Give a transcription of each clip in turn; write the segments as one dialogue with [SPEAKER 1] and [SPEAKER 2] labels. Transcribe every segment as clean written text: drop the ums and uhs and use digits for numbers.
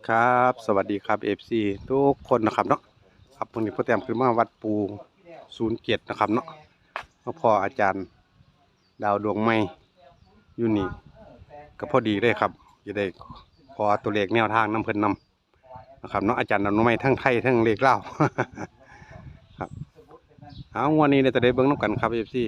[SPEAKER 1] ครับสวัสดีครับFC ทุกคนนะครับเนาะครับวันนี้พ่อแต้มขึ้นมาวัดปู07นะครับเนาะมาพออาจารย์ดาวดวงไม้อยู่นี่ก็พอดีเลยครับจะได้ขอตัวเลขแนวทางน้ำเพิ่นนำนะครับเนาะอาจารย์ดาวดวงไม้ทั้งไทยทั้งเลขเล่าว ครับเอาวันนี้เนี่ยจะได้เบิ้งน้ำกันครับ FC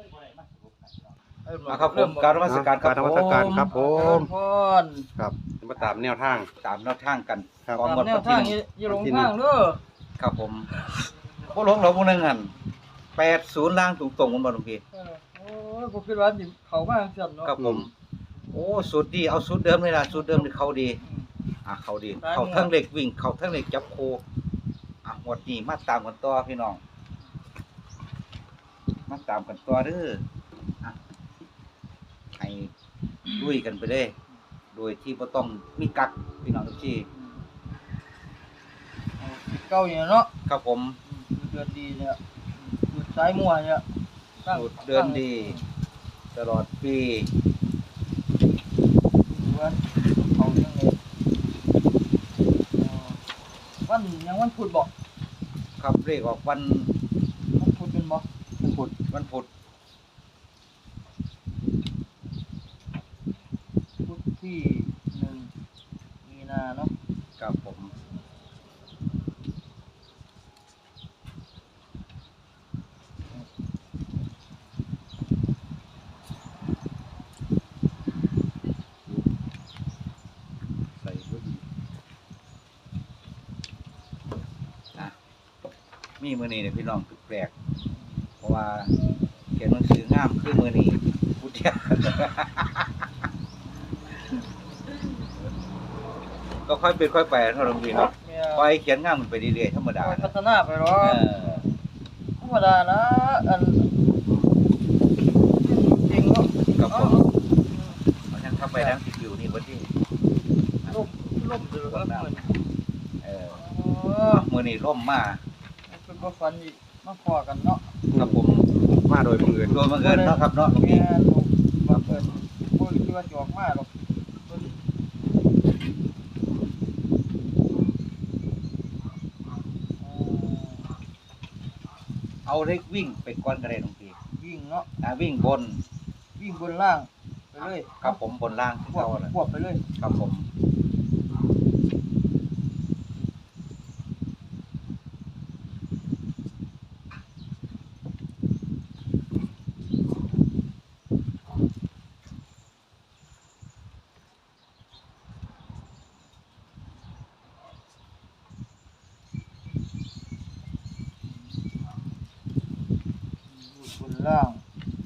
[SPEAKER 2] ครับผมการนมัสการค
[SPEAKER 1] กา
[SPEAKER 2] รั
[SPEAKER 1] ร
[SPEAKER 2] บ
[SPEAKER 1] นมัสการครับผ
[SPEAKER 3] เจริ
[SPEAKER 1] ม
[SPEAKER 3] ญพร
[SPEAKER 1] ครับมาตามแนวทาง
[SPEAKER 2] ตามแนวทางกัน
[SPEAKER 1] ครับ
[SPEAKER 2] ของ
[SPEAKER 3] ตาม
[SPEAKER 2] งวด
[SPEAKER 3] แนว
[SPEAKER 2] วันที่
[SPEAKER 3] ทาง
[SPEAKER 2] หนึ่ง
[SPEAKER 3] อย่าหลงทางเด้อ
[SPEAKER 2] ครับผมพวกหลงเราพวกนึงหัน80ล่างตรงๆมันบ่หลวงพี่
[SPEAKER 3] โอ้ยบ่คิดว่าสิเข้ามาจังซั่นเนาะ
[SPEAKER 2] ครับผมโอ้สูตรดีเอาสูตรเดิมเลยล่ะสูตรเดิมนี่เขาดีเขาดีเขาทั้งเหล็กวิ่งเขาทั้งเหล็กจับโคหมดนี้มาตามกันต่อพี่น้องมาตามกันต่อเด้อให้ลุยกันไปเลยโดยที่บ่ต้องมีกักพี่น้องทุกที่
[SPEAKER 3] เก่าอย่างเนาะ
[SPEAKER 2] ครับผม
[SPEAKER 3] เดือนดีเนี่ยจุดสายมั่วเนี่ย
[SPEAKER 2] สูตรเดินดีตลอดปี
[SPEAKER 3] วันเขาจังได๋วันยังวันพุธบ่
[SPEAKER 2] ครับเรียกออกวัน
[SPEAKER 3] วันพุธเป็นบ่
[SPEAKER 2] วันพุธ
[SPEAKER 3] พุธที่1มีนาเนาะ
[SPEAKER 2] ครับผมใส่บุญมีมือนี้เนี่ยพี่น้องแปลกเพราะว่าเขียนหนังสืองามคือมือนี้พุทธะ ก็ค่อยเป็นค่อยไปเท่านั้นพี่เนาะ
[SPEAKER 3] เนี่ย
[SPEAKER 2] ค่อยเขียนงามมันไปเรื่อยๆธรรมดา
[SPEAKER 3] พัฒนาไปหรอ
[SPEAKER 2] เออ
[SPEAKER 3] ธรรมดานะอันจริงเนาะ
[SPEAKER 2] ครับผมเพราะฉะนั้นเข้าไปทั้งสิบอยู่นี่วันที่
[SPEAKER 3] ลมเดือดเหมือน
[SPEAKER 2] เออ
[SPEAKER 3] เออ
[SPEAKER 2] มือนี้ร่มมา
[SPEAKER 3] เป็นบ่ฟันอีกมาพอกันเนาะ
[SPEAKER 2] ครับผม
[SPEAKER 1] มาโดยบังเอิญ
[SPEAKER 2] โดยบังเอิญเนาะครับเนาะ
[SPEAKER 3] แม่ลูกบ่เกิดบ่คิดว่าจะออกมาหรอกเพิ่น
[SPEAKER 2] เอาเล็กวิ่งไปก่อนกระไรน้องพี่
[SPEAKER 3] วิ่งเนาะ
[SPEAKER 2] วิ่งบน
[SPEAKER 3] วิ่งบนล่างไปเลย
[SPEAKER 2] ครับผมบนล่างที่
[SPEAKER 3] ควบ
[SPEAKER 2] เขาเลย
[SPEAKER 3] ควบไปเลย
[SPEAKER 2] ครับผม
[SPEAKER 3] บนล่าง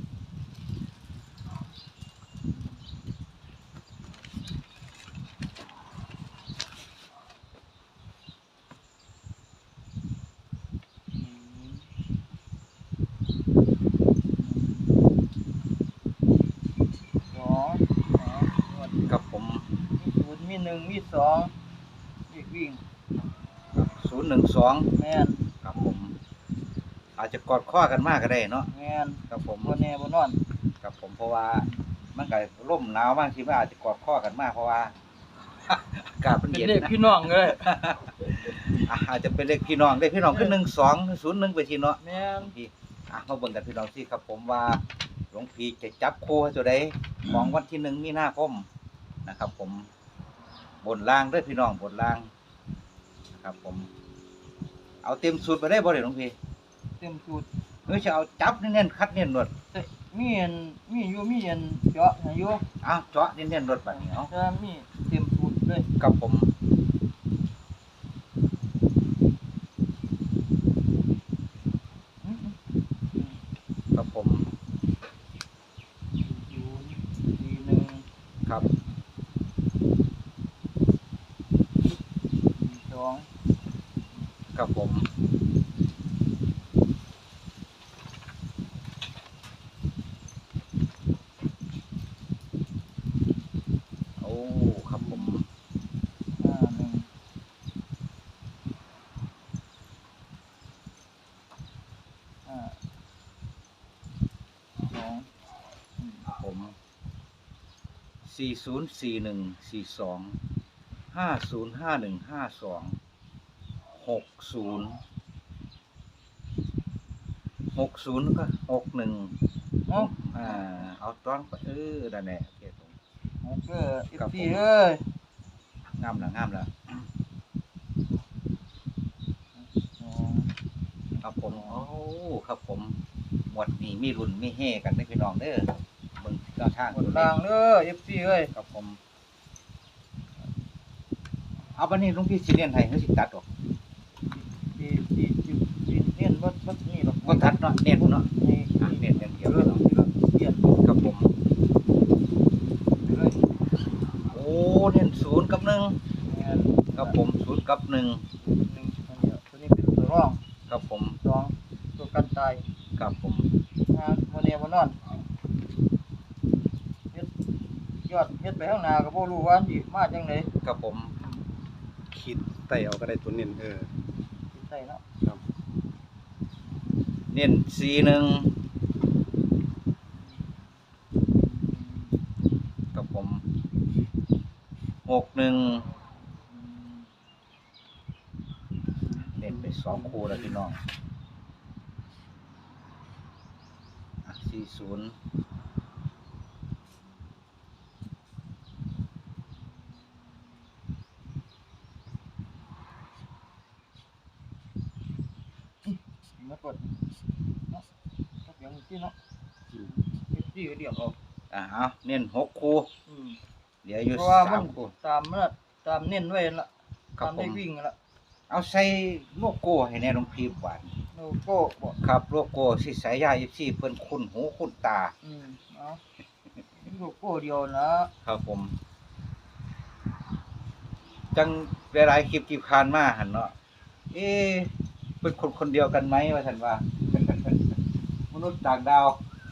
[SPEAKER 3] สองหมด
[SPEAKER 2] ครับผม
[SPEAKER 3] มีศูนย์มีหนึ่งมีสองวิ่งวิ่ง
[SPEAKER 2] 012
[SPEAKER 3] แม่น
[SPEAKER 2] ครับผม อาจจะกอดข้อกันมากก็ได้เนาะ
[SPEAKER 3] แม่น
[SPEAKER 2] ครับผม
[SPEAKER 3] บ่แน่บ่นอน
[SPEAKER 2] ครับผมเพราะว่ามันก็ร่มหนาวบางทีมันอาจจะกอดข้อกันมากเพราะว่า อากาศมัน
[SPEAKER 3] เป็น
[SPEAKER 2] เย็น
[SPEAKER 3] เด็ก
[SPEAKER 2] นะ
[SPEAKER 3] พี่น้องเลย
[SPEAKER 2] อาจจะเป็นเลขพี่น้องเลขพี่น้องขึ้น1201ไปทีเนาะ
[SPEAKER 3] แม่น
[SPEAKER 2] พี่มาเบิ่งกันพี่น้องสิครับผมว่าหลวงพี่จะจับคู่ให้ตัวใดของวันที่1มีนาคมนะครับผมบนล่างเด้วยพี่น้องบนล่างนะครับผมเอาเต็มสูตรไปได้บ่เด้หลวงพี่
[SPEAKER 3] เต็มสูตร
[SPEAKER 2] เฮ้ยจะเอาจับเน้นๆคัดเน้นรวด
[SPEAKER 3] แต่มีอันมีอยู่มีอันเจาะให้อยู่
[SPEAKER 2] อ้าวเจาะเน้นๆรวดบัดนี้เอา
[SPEAKER 3] จะมีเต็มสูตรเลย
[SPEAKER 2] กับผม
[SPEAKER 3] อืม
[SPEAKER 2] กับผม
[SPEAKER 3] ศูนย์สี่หนึ่ง
[SPEAKER 2] ครับ
[SPEAKER 3] สี่สอง
[SPEAKER 2] กับผมโอ้ครับผม
[SPEAKER 3] ห้าหนึ่งห้าสอง
[SPEAKER 2] ผม404142 50515260ก็61
[SPEAKER 3] เนาะ
[SPEAKER 2] เอาต้องไปนั่นแหละโอเคผม
[SPEAKER 3] เออFC เอ้ย
[SPEAKER 2] งามแล้วครับผมโอ้ครับผมหมวดนี้มีรุ่นมีเฮกันเด้อพี่น้องเด้อเบิ่งแนวทาง
[SPEAKER 3] บน
[SPEAKER 2] ตัวเล
[SPEAKER 3] ล่า
[SPEAKER 2] ข
[SPEAKER 3] งเด้อ FC เอ้ย
[SPEAKER 2] ครับผมเอาบัดนี้หลวงพี่สิเรียนให้เฮาสิตัดออก
[SPEAKER 3] ที่เน้นบ่นี่หรอก
[SPEAKER 2] บ่ตัดเนาะเน้นเนาะ
[SPEAKER 3] นี่
[SPEAKER 2] เน้นอย่างเดียว
[SPEAKER 3] เรื่องเปลี่ยน
[SPEAKER 2] ครับผม
[SPEAKER 3] เลย
[SPEAKER 2] โอ้เน้น0กับ1
[SPEAKER 3] งาน
[SPEAKER 2] ครับผม0กับ1
[SPEAKER 3] 1อันนี้ตัวนี้เป็นตัวรอง
[SPEAKER 2] ครับผม
[SPEAKER 3] 2ตัวกันตาย
[SPEAKER 2] ครับผม
[SPEAKER 3] งานบ่แน่บ่นอนเฮ็ดยอดเฮ็ดไปข้างหน้าก็บ่รู้ว่าสิมาจังได๋
[SPEAKER 2] ครับผม
[SPEAKER 1] คิดไต่เอาก็ได้ตัวเน้น
[SPEAKER 3] สิใส่เนาะ
[SPEAKER 1] ครับ
[SPEAKER 2] เน้น41ครับผม61เน้นไป2คู่แล้วพี่น้อง40
[SPEAKER 3] มากดเนาะก็อย่างที่เนาะเฮ็ดสิเดียวเอา
[SPEAKER 2] เอาเน้น6คู่
[SPEAKER 3] อืม
[SPEAKER 2] เหลืออยู่
[SPEAKER 3] เพราะว่ามัน
[SPEAKER 2] 3คู่
[SPEAKER 3] ตามมันน่ะตามเน้นไว้นั่นล่ะ
[SPEAKER 2] ครับ
[SPEAKER 3] ตามได้
[SPEAKER 2] ผม
[SPEAKER 3] วิ่งนั่นล่ะ
[SPEAKER 2] เอาใส่โลโก้ให้แน่หลวงพี่หวาน
[SPEAKER 3] โลโก้บ่
[SPEAKER 2] ครับโลโก้สิสายยา24เพิ่นคุ้นหูคุ้นตา
[SPEAKER 3] เอาโลโก้เดียวนะครับ
[SPEAKER 2] ผม จังหลายๆคลิปที่ผ่านมาหั่นเนาะเป็นคนคนเดียวกันไหมว่าซั่นว่า มนุษย์ต่างดาว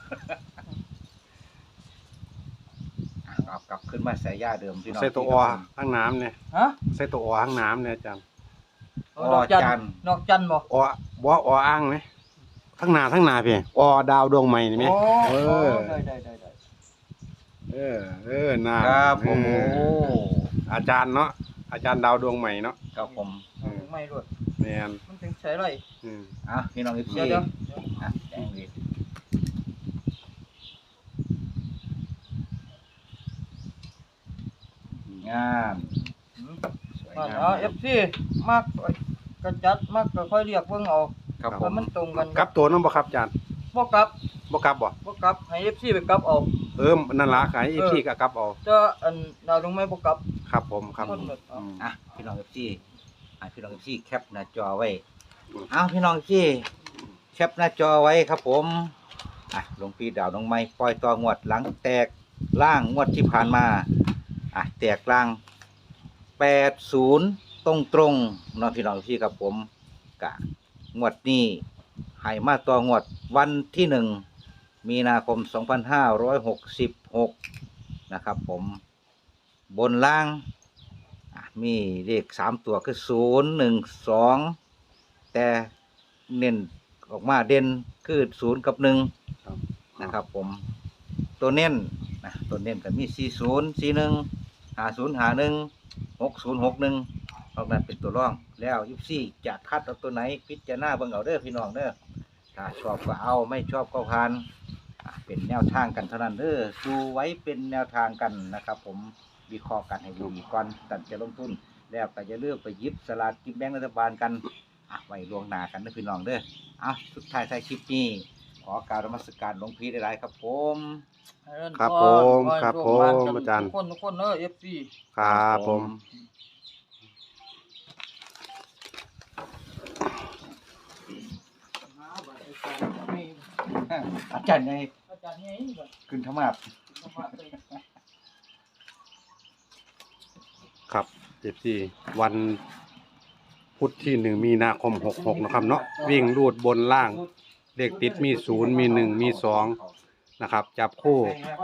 [SPEAKER 2] เอากลับขึ้นมาสายยาเดิมพี่น้อง
[SPEAKER 1] ใส่ตัวอข้างน้ำเนี่ย
[SPEAKER 3] ฮะ
[SPEAKER 1] ใส่ตัวอข้างน้ำเนี่ยอาจารย์
[SPEAKER 3] ดอกจันทร์ดอกจันทร์บ่
[SPEAKER 1] อบ่ออ้างไหมทั้งหนาพี่อดาวดวงใหม่นี่ไหม
[SPEAKER 3] โอ้
[SPEAKER 1] เออ
[SPEAKER 3] ได้
[SPEAKER 1] น่า
[SPEAKER 2] ครับผม
[SPEAKER 1] อาจารย์เนาะอาจารย์ดาวดวงใหม่เนาะ
[SPEAKER 2] ครับผม
[SPEAKER 3] ไม่รวด
[SPEAKER 1] แมน
[SPEAKER 3] มันถึงใช้ไร
[SPEAKER 2] พี่น้อง FC
[SPEAKER 3] เดี๋ยว
[SPEAKER 2] แจ้งเลยงามสวย
[SPEAKER 3] มัน
[SPEAKER 2] งาม
[SPEAKER 3] เอา FC มากก็จัดมากก็ค่อยเรียกเบิ่งเอา
[SPEAKER 2] ครับผ
[SPEAKER 3] ว่าม มันตรงกัน
[SPEAKER 1] กลับตัวน้องบ่ครับอาจารย์
[SPEAKER 3] บ่กลับ
[SPEAKER 1] บ่กลับบ่
[SPEAKER 3] บ่กลับให้ FC ไปกลับเอา
[SPEAKER 1] นั่นล่ะขายอีพีก็กลับเอา
[SPEAKER 3] แต่อันดาวลงไม่บ่กลับ
[SPEAKER 1] ครับผมครับ
[SPEAKER 3] คนหมดเอา
[SPEAKER 2] พี่น้อง FC พี่น้อง FC แคปหน้าจอไว้พี่น้อง FC แคปหน้าจอไว้ครับผมหลวงพี่ดาวน้องไม้ปล่อยต่องวดหลังแตกล่างงวดที่ผ่านมาแตกล่าง80ตรงๆเนาะพี่น้อง FC ครับผมกะงวดนี้ให้มาต่องวดวันที่1มีนาคม2566นะครับผมบนล่างมีเลข3ตัวคือ012แต่เน้นออกมาเด่นคือ0กับ1นะครับผมตัวเน้นตัวเน้นก็มี40 41 50 51 60 61นอกนั้นเป็นตัวรองแล้ว24จะคัดเอาตัวไหนพิจารณาเบิ่งเอาเด้อพี่น้องเด้อถ้าชอบก็เอาไม่ชอบก็ผ่านเป็นแนวทางกันเท่านั้นเด้อดูไว้เป็นแนวทางกันนะครับผมวิเคราะห์กันให้ดีก่อนตัดจะลงทุนแล้วก็จะเลือกไปหยิบสลากกินแบ่งรัฐบาลกันไว้ล่วงหน้ากันนะพี่น้องเด้อสุดท้ายท้ายคลิปนี้ขอกราบนมัสการหลวงพี่หลายๆครับผม
[SPEAKER 1] ครับผมครับผมอาจารย์
[SPEAKER 3] ทุกคนFC
[SPEAKER 1] ครับผม
[SPEAKER 2] อาจารย์ไง
[SPEAKER 3] อาจารย์ไงบ่
[SPEAKER 2] ขึ้นธรรมาบ
[SPEAKER 1] ครับวันพุธที่1มีนาคม66นะครับเนาะวิ่งรูดบนล่างเลขติดมี0มี1มี2นะครับจับคู่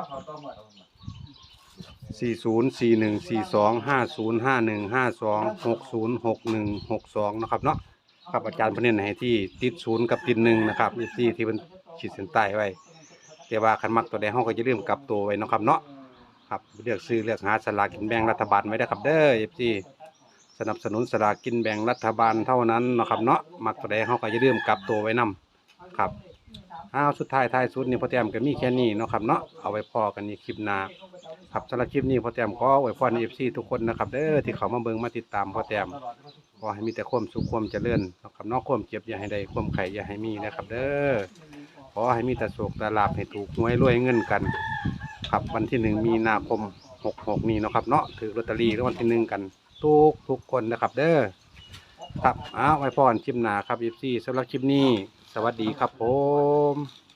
[SPEAKER 1] 40 41 42 50 51 52 60 61 62นะครับเนาะครับอาจารย์เพิ่นเน้นให้ที่ติด0กับติด1นะครับที่เพิ่นขีดเส้นใต้ไว้แต่ว่าคันมักตัวใดเฮาก็จะลืมกลับตัวไว้เนาะครับเนาะครับเลือกซื้อเลือกหาสลากกินแบ่งรัฐบาลไว้ได้ครับเด้อ FC สนับสนุนสลากกินแบ่งรัฐบาลเท่านั้นเนาะครับเนาะมักตัวใดเฮาก็อย่าลืมกลับตัวไว้นํครับสุดท้ายท้ายสุดนี่พ่อแต้มก็มีแค่นี้เนาะครับเนาะเอาไว้พอกันในคลิปหน้าครับสำหรับคลิปนี้พ่อแต้มขออวยพร FC ทุกคนนะครับเด้อที่เขามาเบิ่งมาติดตามพ่อแต้มขอให้มีแต่ความสุขความเจริญเนาะครับเนาะความเจ็บอย่าให้ได้ความไข้อย่าให้มีนะครับเด้อขอให้มีแต่โชคแต่ลาภให้ถูกหวยรวยเงินกันครับวันที่1มีนาคม66นี้เนาะครับเนาะถือลอตเตอรี่รางวัลที่1กันทุกคนนะครับเด้อครับไว้พรคลิปหน้าครับ FC สำหรับคลิปนี้สวัสดีครับผม